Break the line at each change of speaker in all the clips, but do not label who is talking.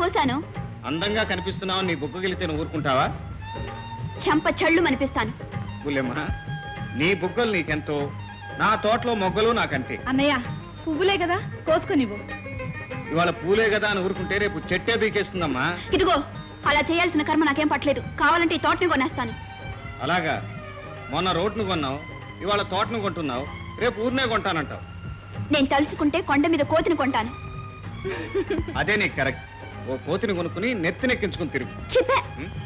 కోసాను.
అందంగా కనిపిస్తున్నావు, నీ బుగ్గగిలితే నువ్వు ఊరుకుంటావా?
చెంప చళ్ళు అనిపిస్తాను.
పుల్లెమ్మా, నీ బుగ్గలు నీకెంతో, నా తోటలో మొగ్గలు నాకంతే.
అన్నయ్య, పువ్వులే కదా, కోసుకొనివ్వు.
ఇవాళ పూలే కదా అని ఊరుకుంటే రేపు చెట్టే బీకేస్తుందమ్మా.
ఇదిగో, అలా చేయాల్సిన కర్మ నాకేం పట్టలేదు. కావాలంటే ఈ తోటని కొనేస్తాను.
అలాగా? మొన్న రోడ్ను కొన్నావు, ఇవాళ తోటను కొంటున్నావు, రేపు ఊరినే కొంటానంటావు.
నేను తలుచుకుంటే కొండ మీద కోతిని కొంటాను.
అదే నీకు కరెక్ట్. ఓ కోతిని కొనుక్కుని నెత్తినెక్కించుకుని తిరుగు.
చెప్పే.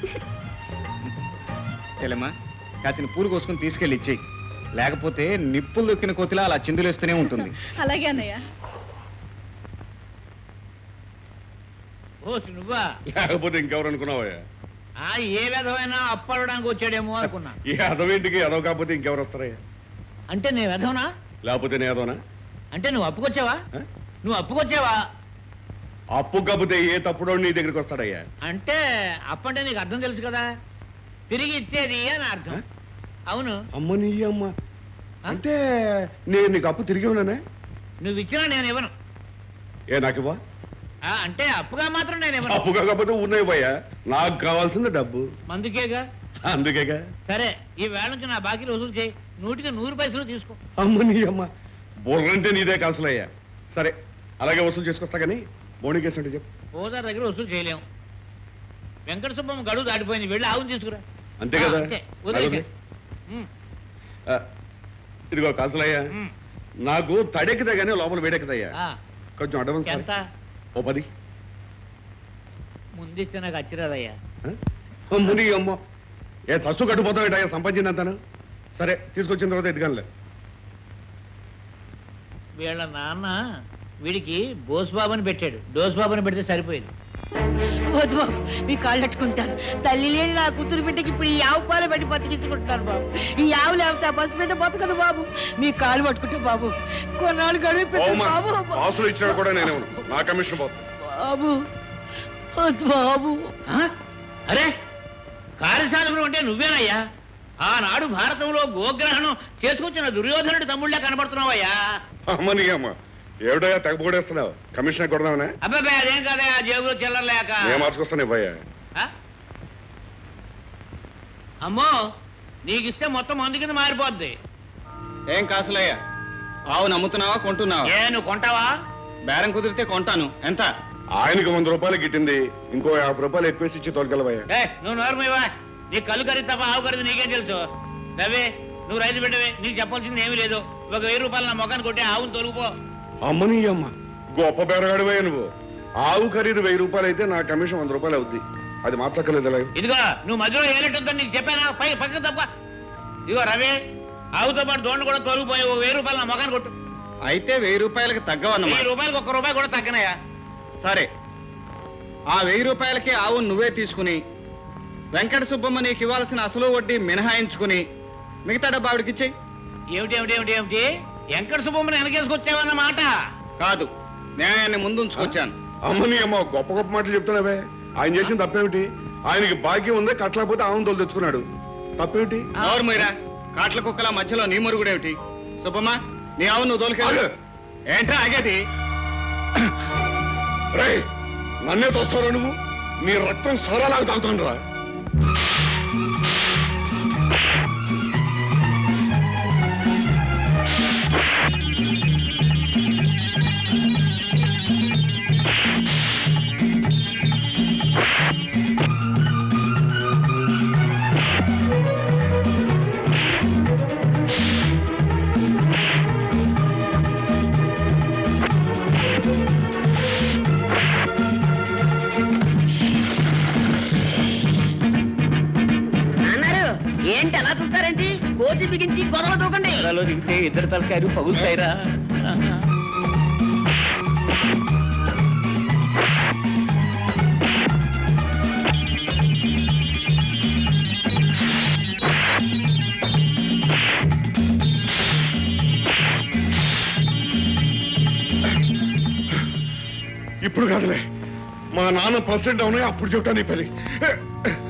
చెల్లెమ్మా, కాసిన పూలు కోసుకుని తీసుకెళ్ళి ఇచ్చేయి. లేకపోతే నిప్పులు దొక్కిన కోతిలా అలా చిందులేస్తూనే ఉంటుంది.
అలాగే అన్నయ్య.
ఓ నువ్వా?
లేకపోతే ఇంకెవరు అనుకున్నావా?
ఏ విధమైన అప్పడడానికి వచ్చాడేమో అనుకున్నా.
ఈ అదవేంటికి అదవ కాకపోతే ఇంకెవరు వస్తారయ్యా?
అంటే నేను వెధవనా?
లేకపోతే నేను అదవనా?
అంటే నువ్వు అప్పుకొచ్చావా? నువ్వు అప్పుకొచ్చావా?
అప్పు కాకపోతే ఏ తప్పుడో నీ దగ్గరికి వస్తాడయ్యా?
అంటే అప్పంటే నీకు అర్థం తెలుసు కదా, తిరిగి ఇచ్చేది అని అర్థం. అవును.
అమ్మ నీ అమ్మ అంటే నేను నీకు అప్పు తిరిగి ఉన్నానే?
నువ్వు ఇచ్చినా నేను ఇవ్వను.
ఏ నాకు ఇవ్వా?
అంటే అప్పుగా మాత్రం నేను ఇవ్వను.
అప్పు కాకపోతే ఉన్నాయిపోయా, నాకు కావాల్సింది డబ్బు.
మందుకేగా.
అందుకేగా.
సరే, ఈ వేళ నుంచి నా బాకీలు వసూలు చేయి. 100 పైసలు తీసుకో.
అమ్మ నీ అమ్మ, బుర్రంటే నీదే కాసులయ్యా. సరే, అలాగే వసూలు చేసుకొస్తా కానీ బోణి కేసు అంటే చెప్పు.
ఓదార్ దగ్గర వసూలు చేయలేము. వెంకట సుబ్బమ్మ గడువు దాటిపోయింది, వెళ్ళి ఆవును తీసుకురా.
అంతే కదా?
వదిలేసే.
ఇదిగో కాసులయ్యా, నాకు తడెక్కితే గానీ లోపల వేడెక్కుతాయ్యా. కొంచెం అడ్వాన్స్
ఎంత?
ఓ 10.
ముందిస్తే నాకు అచ్చిరాదయ్యా.
అమ్మని అమ్మ, ఏ సస్సు కట్టుపోతావు సంపాదించిందంతాను. సరే, తీసుకొచ్చిన తర్వాత ఎదుగానులే.
వీళ్ళ నాన్న వీడికి బోస్బాబుని పెట్టాడు, డోస్బాబుని పెడితే సరిపోయింది. వద్దు బాబు, మీ కాళ్ళు పెట్టుకుంటాను. తల్లి లేని నా కూతురు బిడ్డకి ఇప్పుడు ఈ ఆవు పాలు పెట్టి బతికించుకుంటున్నాను బాబు. ఈ ఆవు లేకపోతే ఆ బస్సు బిడ్డ బతకదు బాబు. మీ కాళ్ళు పట్టుకుంటే బాబు కొన్నాళ్ళు గడువు బాబు.
ఆసులు ఇచ్చినా కూడా నేనే నా కమిషన్
బాబు. వద్దు బాబు. అరే, కార్యశాలలో అంటే నువ్వేనయ్యా? ఆనాడు భారతంలో గోగ్రహణం చేసుకొచ్చిన దుర్యోధనుడి తమ్ముళ్ళే కనబడుతున్నావయ్యా.
అమ్మని అమ్మ, ఏమిటయ్యా తెగపోడేస్తున్నావు? కమిషన్ కొడదామనే?
అబ్బాయి అదేం కాదయ్యా, జేబులో చిల్లరలేక.
నేను మార్చుకొస్తాను ఇవ్వయ్యా.
అమ్మో, నీకిస్తే మొత్తం మందు కింద మారిపోద్ది.
ఏం కాసులయ్యా, ఆవు నమ్ముతున్నావా కొంటున్నావా?
నువ్వు కొంటావా?
బేరం కుదిరితే కొంటాను. ఎంత?
ఆయనకు 100 రూపాయలు గిట్టింది, ఇంకో 50 రూపాయలు ఎక్కువేసి ఇచ్చి తోలుకెళ్ళవయ్యా.
నువ్వు నోరమివా? నీ కళ్ళు ఖరీదు తప్ప ఆవు ఖరీదు నీకేం తెలుసు? రవి, నువ్వు రైతు బిడ్డవే, నీకు చెప్పాల్సింది ఏమీ లేదు. 1000 రూపాయలు నా మొఖాన్ని కొట్టి ఆవును తొలుగుపో.
అమ్మని అమ్మ, గొప్ప బేరగాడివయ్యా నువ్వు. ఆవు ఖరీదు 1000 రూపాయలు అయితే నా కమిషన్ 100 రూపాయలు అవుద్ది. అది మార్చక్కర్లేదు.
ఇదిగో, నువ్వు మధ్యలో ఏలెట్టుందని నీకు చెప్పానా? పక్క తప్ప. ఇదిగో రవి, ఆవుతో పాటు దోండు కూడా తొలగిపోయి 1000 రూపాయలు నా మొఖాన్ని కొట్టు.
అయితే 1000 రూపాయలకి తగ్గవన్నమాట.
1000 రూపాయలకు 1 రూపాయి కూడా తగ్గనయా?
సరే, ఆ 1000 రూపాయలకి ఆవు నువ్వే తీసుకుని వెంకట సుబ్బమ్మ నీకు ఇవ్వాల్సిన అసలు వడ్డీ మినహాయించుకుని మిగతా డబ్బు ఆవిడకిచ్చేయి.
ఏమిటి? వెంకట సుబ్బమ్మని వెనకేసుకొచ్చావన్నమాట?
కాదు, న్యాయాన్ని ముందుంచుకొచ్చాను.
అమ్మని అమ్మ, గొప్ప గొప్ప మాటలు చెప్తున్నావే. ఆయన చేసిన తప్పేమిటి? ఆయనకి భాగ్యం ఉందే, కట్టలేకపోతే ఆవును తోలు తెచ్చుకున్నాడు. తప్పేమిటి?
ఎవరు మీరా? కాట్ల కుక్కల మధ్యలో నీ మరుగుడేమిటి? సుబ్బమ్మ, నీ ఆవు నువ్వు తోలుకెళ్ళు. ఏంట్రా ఆగేది?
రేయ్, నన్నే తోస్తారా నువ్వు? నీ రక్తం సోరాలాగా తాగుతుండ్రా.
ఏంటి అలా చూస్తారేంటి? కోతి బిగించి గొడవ దూకండి. దిగితే ఇద్దరు తలకాయలు పగులుతాయిరా.
ఇప్పుడు కాదులే, మా నాన్న ప్రెసిడెంట్ అవునాయి, అప్పుడు చెప్తాను నీ పని.